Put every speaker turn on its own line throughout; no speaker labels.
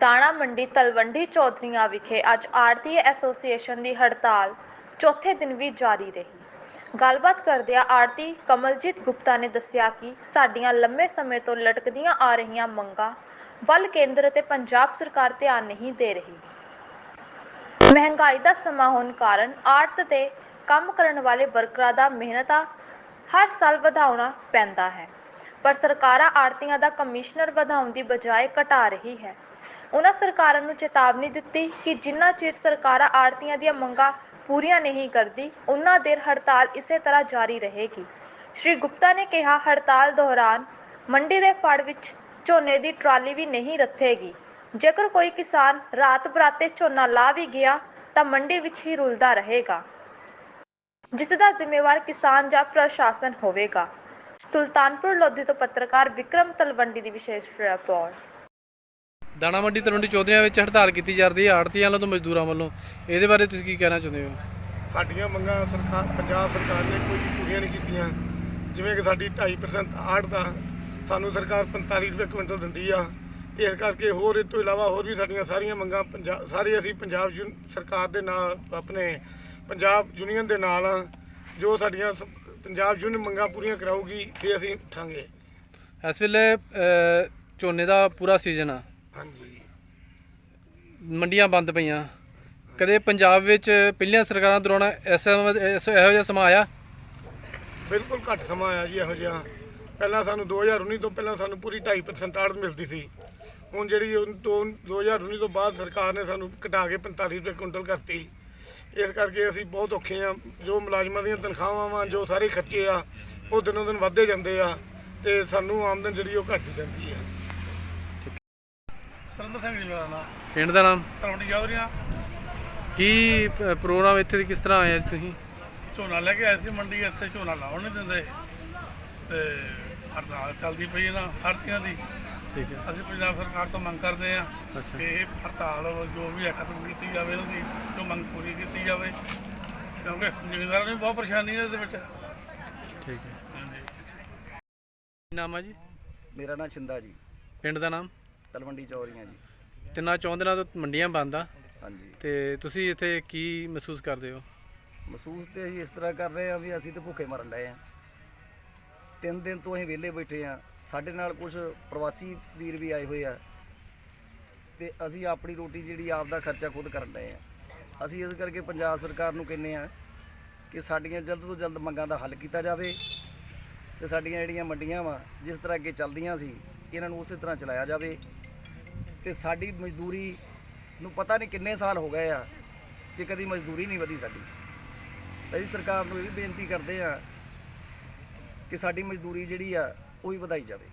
ਦਾਣਾ ਮੰਡੀ ਤਲਵੰਡੀ ਚੌਧਰੀਆਂ ਵਿਖੇ ਅੱਜ ਆੜ੍ਹਤੀ ਐਸੋਸੀਏਸ਼ਨ ਦੀ ਹੜਤਾਲ ਚੌਥੇ ਦਿਨ ਵੀ ਜਾਰੀ ਰਹੀ। ਗੱਲਬਾਤ ਕਰਦਿਆਂ ਆੜ੍ਹਤੀ ਕਮਲਜੀਤ ਗੁਪਤਾ ਨੇ ਦੱਸਿਆ ਕਿ ਸਾਡੀਆਂ ਲੰਮੇ ਸਮੇਂ ਤੋਂ ਲਟਕਦੀਆਂ ਆ ਰਹੀਆਂ ਮੰਗਾਂ ਵੱਲ ਕੇਂਦਰ ਅਤੇ ਪੰਜਾਬ ਸਰਕਾਰ ਧਿਆਨ ਨਹੀਂ ਦੇ ਰਹੀ। ਮਹਿੰਗਾਈ ਦਾ ਸਮਾਂ ਹੋਣ ਕਾਰਨ ਆੜ੍ਹਤ ਤੇ ਕੰਮ ਕਰਨ ਵਾਲੇ ਵਰਕਰਾਂ ਦਾ ਮਿਹਨਤਾਂ ਹਰ ਸਾਲ ਵਧਾਉਣਾ ਪੈਂਦਾ ਹੈ, ਪਰ ਸਰਕਾਰਾਂ ਆੜ੍ਹਤੀਆਂ ਦਾ ਕਮਿਸ਼ਨਰ ਵਧਾਉਣ ਦੀ ਬਜਾਏ ਘਟਾ ਰਹੀ ਹੈ। ਉਹਨਾਂ ਸਰਕਾਰਾਂ ਨੂੰ ਚੇਤਾਵਨੀ ਦਿੱਤੀ ਕਿ ਜਿੰਨਾ ਚਿਰ ਸਰਕਾਰਾਂ ਆੜ੍ਹਤੀਆਂ ਦੀਆਂ ਮੰਗਾਂ ਪੂਰੀਆਂ ਨਹੀਂ ਕਰਦੀ, ਉਨਾ ਦੇਰ ਹੜਤਾਲ ਇਸੇ ਤਰ੍ਹਾਂ ਜਾਰੀ ਰਹੇਗੀ। ਸ਼੍ਰੀ ਗੁਪਤਾ ਨੇ ਕਿਹਾ, ਹੜਤਾਲ ਦੌਰਾਨ ਮੰਡੀ ਦੇ ਫੜ ਵਿੱਚ ਝੋਨੇ ਦੀ ਟਰਾਲੀ ਵੀ ਨਹੀਂ ਰੱਥੇਗੀ। ਜੇਕਰ ਕੋਈ ਕਿਸਾਨ ਰਾਤ ਬਰਾਤੇ ਝੋਨਾ ਲਾ ਵੀ ਗਿਆ ਤਾਂ ਮੰਡੀ ਵਿੱਚ ਹੀ ਰੁਲਦਾ ਰਹੇਗਾ, ਜਿਸ ਦਾ ਜ਼ਿੰਮੇਵਾਰ ਕਿਸਾਨ ਜਾਂ ਪ੍ਰਸ਼ਾਸਨ ਹੋਵੇਗਾ। ਸੁਲਤਾਨਪੁਰ ਲੋਧੀ ਤੋਂ ਪੱਤਰਕਾਰ ਵਿਕਰਮ ਤਲਵੰਡੀ ਦੀ ਵਿਸ਼ੇਸ਼ ਰਿਪੋਰਟ।
ਦਾਣਾ ਮੰਡੀ ਤਲਵੰਡੀ ਚੌਧਰੀਆਂ ਵਿੱਚ ਹੜਤਾਲ ਕੀਤੀ ਜਾ ਰਹੀ ਹੈ ਆੜ੍ਹਤੀਆਂ ਵੱਲੋਂ ਤੇ ਮਜ਼ਦੂਰਾਂ ਵੱਲੋਂ, ਇਹਦੇ ਬਾਰੇ ਤੁਸੀਂ ਕੀ ਕਹਿਣਾ ਚਾਹੁੰਦੇ ਹੋ?
ਸਾਡੀਆਂ ਮੰਗਾਂ ਪੰਜਾਬ ਸਰਕਾਰ ਨੇ ਕੋਈ ਪੂਰੀਆਂ ਨਹੀਂ ਕੀਤੀਆਂ। ਜਿਵੇਂ ਕਿ ਸਾਡੀ 2.5% ਆੜ੍ਹਤ ਦਾ ਸਾਨੂੰ ਸਰਕਾਰ 45 ਰੁਪਏ ਕੁਇੰਟਲ ਦਿੰਦੀ ਆ। ਇਸ ਕਰਕੇ ਹੋਰ ਇਸ ਤੋਂ ਇਲਾਵਾ ਹੋਰ ਵੀ ਸਾਡੀਆਂ ਸਾਰੀਆਂ ਮੰਗਾਂ ਸਾਰੇ ਅਸੀਂ ਪੰਜਾਬ ਸਰਕਾਰ ਦੇ ਨਾਲ, ਆਪਣੇ ਪੰਜਾਬ ਯੂਨੀਅਨ ਦੇ ਨਾਲ, ਜੋ ਸਾਡੀਆਂ ਪੰਜਾਬ ਯੂਨੀਅਨ ਮੰਗਾਂ ਪੂਰੀਆਂ ਕਰਾਊਗੀ ਫਿਰ ਅਸੀਂ ਉੱਠਾਂਗੇ।
ਇਸ ਵੇਲੇ ਝੋਨੇ ਦਾ ਪੂਰਾ ਸੀਜ਼ਨ ਆ,
ਹਾਂਜੀ,
ਮੰਡੀਆਂ ਬੰਦ ਪਈਆਂ। ਕਦੇ ਪੰਜਾਬ ਵਿੱਚ ਪਹਿਲੀਆਂ ਸਰਕਾਰਾਂ ਦੌਰਾਨ ਇਹੋ ਜਿਹਾ ਸਮਾਂ ਆਇਆ?
ਬਿਲਕੁਲ ਘੱਟ ਸਮਾਂ ਆਇਆ ਜੀ ਇਹੋ ਜਿਹਾ। ਪਹਿਲਾਂ ਸਾਨੂੰ 2019 ਤੋਂ ਪਹਿਲਾਂ ਸਾਨੂੰ ਪੂਰੀ 2.5% ਆੜ੍ਹਤ ਮਿਲਦੀ ਸੀ। ਹੁਣ ਜਿਹੜੀ 2019 ਤੋਂ ਬਾਅਦ ਸਰਕਾਰ ਨੇ ਸਾਨੂੰ ਘਟਾ ਕੇ 45 ਰੁਪਏ ਕੁਇੰਟਲ ਕਰਤੀ। ਇਸ ਕਰਕੇ ਅਸੀਂ ਬਹੁਤ ਔਖੇ ਆ। ਜੋ ਮੁਲਾਜ਼ਮਾਂ ਦੀਆਂ ਤਨਖਾਹਾਂ ਵਾ, ਜੋ ਸਾਰੇ ਖਰਚੇ ਆ, ਉਹ ਦਿਨੋਂ ਦਿਨ ਵੱਧਦੇ ਜਾਂਦੇ ਆ ਤੇ ਸਾਨੂੰ ਆਮਦਨ ਜਿਹੜੀ ਉਹ ਘੱਟਦੀ ਜਾਂਦੀ ਆ।
ਸੁਰਿੰਦਰ ਸਿੰਘ ਜੀ ਮੇਰਾ ਨਾਮ।
ਪਿੰਡ ਦਾ ਨਾਮ?
ਤਲਵੰਡੀ ਚੌਧਰੀਆਂ।
ਕੀ ਪ੍ਰੋਗਰਾਮ ਇੱਥੇ ਦੀ ਕਿਸ ਤਰ੍ਹਾਂ ਆਇਆ ਤੁਸੀਂ?
ਝੋਨਾ ਲੈ ਕੇ ਆਏ ਸੀ ਮੰਡੀ, ਇੱਥੇ ਝੋਨਾ ਲਾਉਣ ਨਹੀਂ ਦਿੰਦੇ ਤੇ ਹੜਤਾਲ ਚੱਲਦੀ ਪਈ ਇਹਨਾਂ ਆੜ੍ਹਤੀਆਂ ਦੀ।
ਠੀਕ ਹੈ।
ਅਸੀਂ ਪੰਜਾਬ ਸਰਕਾਰ ਤੋਂ ਮੰਗ ਕਰਦੇ ਹਾਂ
ਅੱਛਾ।
ਕਿ ਇਹ ਹੜਤਾਲ ਜੋ ਵੀ ਹੈ ਖਤਮ ਕੀਤੀ ਜਾਵੇ, ਇਹਨਾਂ ਦੀ ਜੋ ਮੰਗ ਪੂਰੀ ਕੀਤੀ ਜਾਵੇ, ਕਿਉਂਕਿ ਜ਼ਿਮੀਂਦਾਰਾਂ ਨੂੰ ਵੀ ਬਹੁਤ ਪਰੇਸ਼ਾਨੀ ਹੈ ਇਸ ਵਿੱਚ।
ਠੀਕ ਹੈ।
ਹਾਂਜੀ।
ਕੀ ਨਾਮ ਆ ਜੀ?
ਮੇਰਾ ਨਾਮ ਸ਼ਿੰਦਾ ਜੀ।
ਪਿੰਡ ਦਾ ਨਾਮ?
ਤਲਵੰਡੀ ਚੌਧਰੀਆਂ ਜੀ।
ਤਿੰਨਾਂ ਚੌਂਦਰਾਂ ਤੋਂ ਮੰਡੀਆਂ ਬੰਦ ਆ
ਹਾਂਜੀ।
ਤੇ ਤੁਸੀਂ ਇੱਥੇ ਕੀ ਮਹਿਸੂਸ ਕਰਦੇ ਹੋ?
ਮਹਿਸੂਸ ਤੇ ਅਸੀਂ ਇਸ ਤਰ੍ਹਾਂ ਕਰ ਰਹੇ ਹਾਂ ਵੀ ਅਸੀਂ ਤਾਂ ਭੁੱਖੇ ਮਰਨ ਡਏ ਹਾਂ। 3 ਦਿਨ ਤੋਂ ਅਸੀਂ ਵਿਹਲੇ ਬੈਠੇ ਹਾਂ। ਸਾਡੇ ਨਾਲ ਕੁਝ ਪ੍ਰਵਾਸੀ ਵੀਰ ਵੀ ਆਏ ਹੋਏ ਆ ਤੇ ਅਸੀਂ ਆਪਣੀ ਰੋਟੀ ਜਿਹੜੀ ਆਪ ਦਾ ਖਰਚਾ ਖੁਦ ਕਰਨ ਡਏ ਹਾਂ। ਅਸੀਂ ਇਸ ਕਰਕੇ ਪੰਜਾਬ ਸਰਕਾਰ ਨੂੰ ਕਹਿੰਦੇ ਹਾਂ ਕਿ ਸਾਡੀਆਂ ਜਲਦ ਤੋਂ ਜਲਦ ਮੰਗਾਂ ਦਾ ਹੱਲ ਕੀਤਾ ਜਾਵੇ ਤੇ ਸਾਡੀਆਂ ਜਿਹੜੀਆਂ ਮੰਡੀਆਂ ਵਾ ਜਿਸ ਤਰ੍ਹਾਂ ਅੱਗੇ ਚੱਲਦੀਆਂ ਸੀ, ਇਹਨਾਂ ਨੂੰ ਉਸੇ ਤਰ੍ਹਾਂ ਚਲਾਇਆ ਜਾਵੇ। ਤੇ ਸਾਡੀ ਮਜ਼ਦੂਰੀ ਨੂੰ ਪਤਾ ਨਹੀਂ ਕਿੰਨੇ ਸਾਲ ਹੋ ਗਏ ਆ ਕਿ ਕਦੀ ਮਜ਼ਦੂਰੀ ਨਹੀਂ ਵਧੀ ਸਾਡੀ। ਅਸੀਂ ਸਰਕਾਰ ਨੂੰ ਇਹ ਵੀ ਬੇਨਤੀ ਕਰਦੇ ਆ ਕਿ ਸਾਡੀ ਮਜ਼ਦੂਰੀ ਜਿਹੜੀ ਆ ਉਹ ਵੀ ਵਧਾਈ ਜਾਵੇ।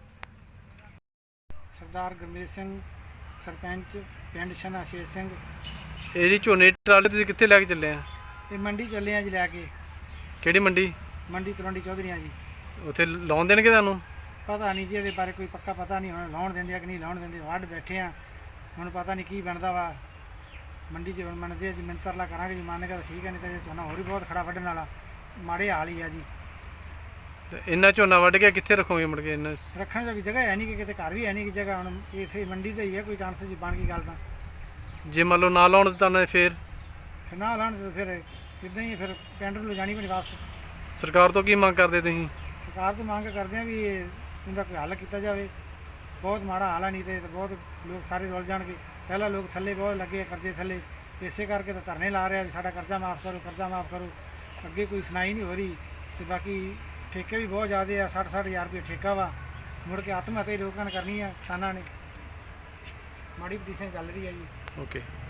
ਸਰਦਾਰ ਗੁਰਮੀਤ ਸਿੰਘ, ਸਰਪੰਚ ਪਿੰਡ ਸ਼ਨਾ ਸ਼ੇਰ ਸਿੰਘ।
ਇਹ ਜਿਹੜੀ ਝੋਨੇ ਦੀ ਟਰਾਲੀ ਤੁਸੀਂ ਕਿੱਥੇ ਲੈ ਕੇ ਚੱਲੇ ਆ?
ਇਹ ਮੰਡੀ ਚੱਲੇ ਆ ਜੀ ਲੈ ਕੇ।
ਕਿਹੜੀ ਮੰਡੀ?
ਮੰਡੀ ਤਲਵੰਡੀ ਚੌਧਰੀਆਂ ਜੀ।
ਉੱਥੇ ਲਾਉਣ ਦੇਣਗੇ ਤੁਹਾਨੂੰ?
ਪਤਾ ਨਹੀਂ ਜੀ, ਇਹਦੇ ਬਾਰੇ ਕੋਈ ਪੱਕਾ ਪਤਾ ਨਹੀਂ। ਹੁਣ ਲਾਉਣ ਦਿੰਦੇ ਆ ਕਿ ਨਹੀਂ ਲਾਉਣ ਦਿੰਦੇ। ਵੱਢ ਬੈਠੇ ਆ, ਹੁਣ ਪਤਾ ਨਹੀਂ ਕੀ ਬਣਦਾ ਵਾ ਮੰਡੀ 'ਚ। ਹੁਣ ਮੰਨਦੇ ਆ ਜੀ, ਮਿੰਟ ਤਰਲਾ ਕਰਾਂਗੇ ਜੀ, ਮੰਨੇਗਾ ਤਾਂ ਠੀਕ ਹੈ, ਨਹੀਂ ਤਾਂ ਝੋਨਾ ਹੋਰ ਵੀ ਬਹੁਤ ਖੜਾ ਵੱਢਣ ਵਾਲਾ। ਮਾੜੇ ਹਾਲ ਹੀ ਆ ਜੀ।
ਤੇ ਇੰਨਾ ਝੋਨਾ ਵੱਢ ਕੇ ਕਿੱਥੇ ਰੱਖੋਗੇ ਮੁੜ ਕੇ? ਇੰਨਾ
ਰੱਖਣ ਦੀ ਜਗ੍ਹਾ ਹੈ ਨਹੀਂ ਕਿ ਕਿਤੇ ਘਰ ਵੀ ਹੈ ਨਹੀਂ ਕਿ ਜਗ੍ਹਾ। ਹੁਣ ਇਸੇ ਮੰਡੀ ਤੇ ਹੀ ਹੈ ਕੋਈ ਚਾਂਸ ਜੀ ਬਣ ਗਈ ਗੱਲ ਤਾਂ।
ਜੇ ਮੰਨ ਲਓ ਨਾ ਲਾਉਣ ਦਿੱਤਾ ਨਾ ਫਿਰ
ਨਾ ਲਾਉਣ ਤੇ ਫਿਰ ਇੱਦਾਂ ਹੀ ਫਿਰ ਪਿੰਡ ਨੂੰ ਲਿਜਾਣੀ ਪੈਣੀ ਵਾਪਸ।
ਸਰਕਾਰ ਤੋਂ ਕੀ ਮੰਗ ਕਰਦੇ ਤੁਸੀਂ?
ਸਰਕਾਰ ਤੋਂ ਮੰਗ ਕਰਦੇ ਆ ਵੀ ਇਹਦਾ ਕੋਈ ਹੱਲ ਕੀਤਾ ਜਾਵੇ। ਬਹੁਤ ਮਾੜਾ ਹਾਲ ਆ, ਨਹੀਂ ਤੇ ਬਹੁਤ ਲੋਕ ਸਾਰੇ ਰੁਲ ਜਾਣਗੇ। ਪਹਿਲਾਂ ਲੋਕ ਥੱਲੇ ਬਹੁਤ ਲੱਗੇ ਕਰਜ਼ੇ ਥੱਲੇ, ਇਸੇ ਕਰਕੇ ਤਾਂ ਧਰਨੇ ਲਾ ਰਿਹਾ ਵੀ ਸਾਡਾ ਕਰਜ਼ਾ ਮਾਫ ਕਰੋ, ਕਰਜ਼ਾ ਮਾਫ ਕਰੋ। ਅੱਗੇ ਕੋਈ ਸੁਣਾਈ ਨਹੀਂ ਹੋ ਰਹੀ। ਤੇ ਬਾਕੀ ਠੇਕੇ ਵੀ ਬਹੁਤ ਜ਼ਿਆਦਾ ਆ, 60-60 ਹਜ਼ਾਰ ਰੁਪਏ ਠੇਕਾ ਵਾ। ਮੁੜ ਕੇ ਆਤਮ ਹੱਤਿਆ ਲੋਕਾਂ ਨੇ ਕਰਨੀ ਆ, ਕਿਸਾਨਾਂ ਨੇ। ਮਾੜੀ ਪੋਜੀਸ਼ਨ ਚੱਲ ਰਹੀ ਆ ਜੀ।
ਓਕੇ।